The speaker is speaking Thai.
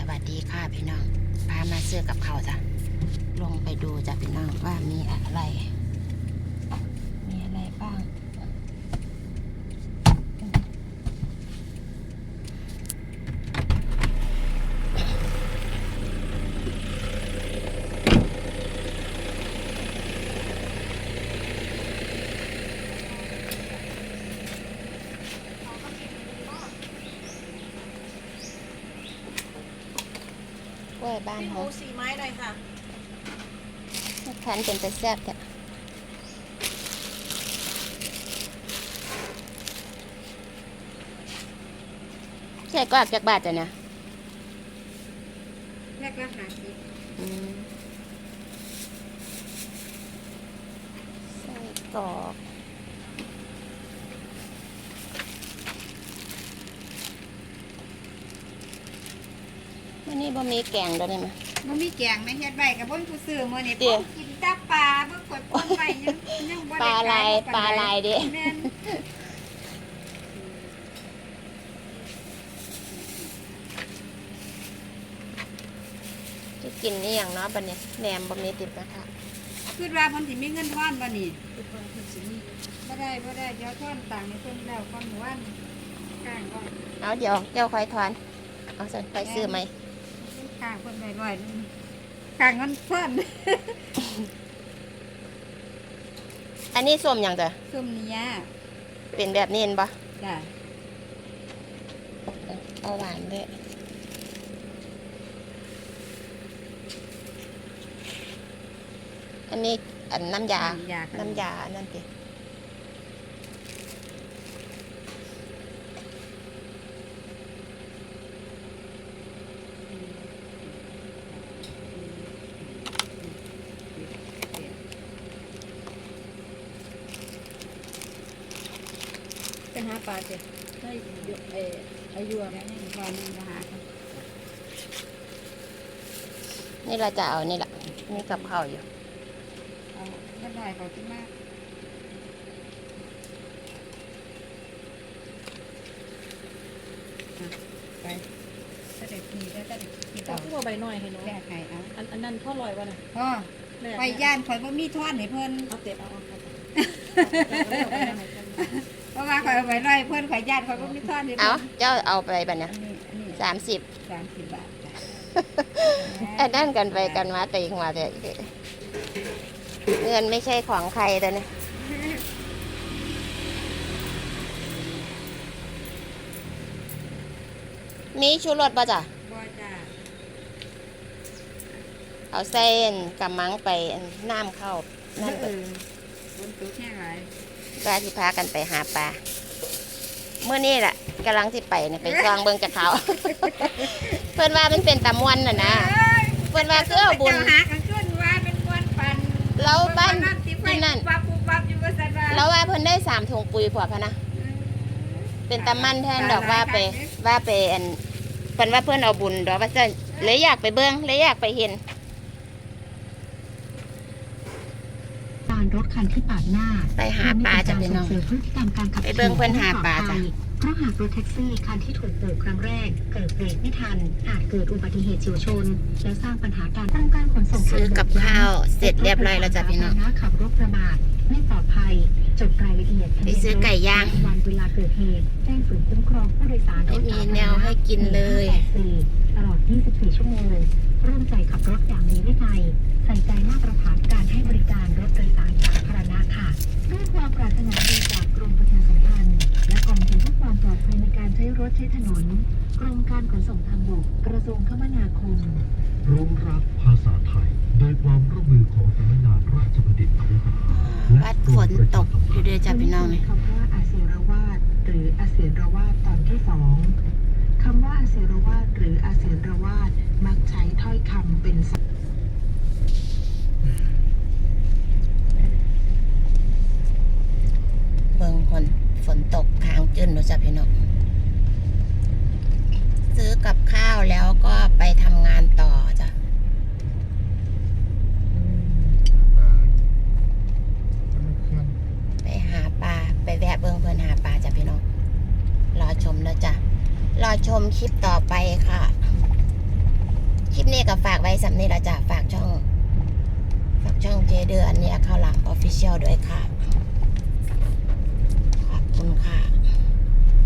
วัสดีค่ะพี่น้องพามาซื้อกับข้าวจ้ะลงไปดูจ้ะพี่น้องว่ามีอะไรบ้างกล้วยบ้านพี่หเขามู4 ไม้หน่อยค่ะคันเป็นแต่แซ่บจ้ะใช่กว่าจากบาทจ้ะเนี่ยแรกละ50 ไส้กรอกวันนี้บ่มีแกงด้วยไหมมันมีแกงไหมเฮ็ดไว้กับเบิ่งผู้ซื้อมื้อนี้เพิ่นกินแต่ปลาเบิ่งกดป่นไว้ยังบ่ปได้ลาขายปลาลายเด้แม่นจะกินนี่อย่างเนาะบัดนี้แหนมบ่มีติดนะคะคิดว่าเพิ่นสิมีเงินทอนบ่นี่คิดว่าเพิ่นสิมีบ่ได้เดี๋ยวทอนตังค์ให้เพิ่นแล้วก่อนหมู่บ้านข้างก่อนเอาเดี๋ยวเจ้าคอยทอนเอาสั่นไปซื้อไหมข้างเพิ่นไว้ร้อยนึงข้างเงินเพิ่นอันนี้ส้มอย่างจ้ะซุ่มเนี้ยเป็นแบบนี้เห็นปะจ้ะเอาหวานด้วยอันนี้อันน้ำยาน้ำยานั่นสิไปหาปลาสิได้อายุอะไรนี่ปลานึงก็หาค่ะนี่เราจะเอานี่แหละนี่กับข้าวอยู่เอาไม่ได้เขาคิดมากไปถ้าเด็กมีได้ถ้าเด็กกินเอาเอาขึ้นมาใบหน่อยให้น้องแก้ไขเอาอันนั้นทอดลอยวะน่ะพ่อแรกไปย่านข่อยบ่มีทอดให้เพิ่นเอาเตะเอาเพราะว่าข่อยเอาไว้ร้อยเพิ่นข่อยย่านข่อยบ่มีทอดให้เอาเพิ่นเจ้าเอาไปบัดเนี้ยอันนี้ 30 30 บาทจ้ะไอ้นั่นกันไปกันมาตีกันมาเถอะเงินไม่ใช่ของใครแต่เนี่ยมีชูรสป่ะจ้ะบ่จ้ะเอาเส้นกับมังไปน้ำเข้านั่นเออฝนตกแห้งหลายก็ที่พากันไปหาปลาเมื่อนี้แหละกำลังที่ไปเนี่ยไปซองเบิงจากเขา เพื่อนว่ามันเป็นตะมวนน่ะนะเพื่อนว่าคือเอาบุญเจ้าหากันขึ้นว่าเป็นมวนปันเราบ้านที่ที่นั่นปับอยู่ว่าซั่นว่าแล้วว่าเพิ่นได้3 ถุงปุ๋ยพอพะนะเป็นตะมันแทนดอกว่าไปอันเพิ่นว่าเพิ่นเอาบุญดอกว่าจะเลยอยากไปเบิ่งเลยอยากไปเห็นการรถคันที่ปาดหน้าไปหาปลาจ้ะพี่น้องเสริมพฤติกรรมการขับไปขี่เบิ่งเพิ่นหาปลาจ้ะเพราะหากรถแท็กซี่คันที่ถูกโบกครั้งแรกเกิดเบรกไม่ทันอาจเกิดอุบัติเหตุเฉียวชน และสร้างปัญหาการตั้งการขนส่งซื้อกับข้าวเสร็จเรียบร้อยแล้วจ้ะพี่น้องขับรถประมาทไม่ปลอดภัยจดรายละเอียดไปซื้อไก่ย่างวันเวลาเกิดเหตุแจ้งศูนย์คุ้มครองผู้โดยสารไม่มีแนวให้กินเลยตลอด 24 ชั่วโมงร่วมใจขับรถอย่างมีวินัยใส่ใจมาตรฐานการให้บริการรถโดยสารสาธารณะค่ะด้วยความปรารถนาดีจากกรมประชาสัมพันธ์และกองทุนเพื่อความปลอดภัยในการใช้รถใช้ถนนกรมการขนส่งทางบกกระทรวงคมนาคมร่วมรักภาษาไทย โดยความร่วมมือของสำนักงานราชบัณฑิตยศวัดฝนตกอยู่เด้อจ้ะพี่น้องนี่คำว่าอาเสรวาทหรืออาเสรวาทตอนที่ 2คำว่าอาเสรวาทหรืออาเสรวาทมักใช้ถ้อยคำเป็นเบิ่งฝนตกค้างจื้นเด้อจ้ะพี่น้องซื้อกับข้าวแล้วก็ไปทำงานต่อจ้ะไปหาปลาไปแวะเบิ่งเพิ่นหาปลาจ้ะพี่น้องรอชมแล้วจ้ะรอชมคลิปต่อไปค่ะนี้ก็ฝากไว้สำนี้ละจ้ะฝากช่องเจเดือนเนี่ยข้าวหลามออฟฟิเชียลด้วยค่ะ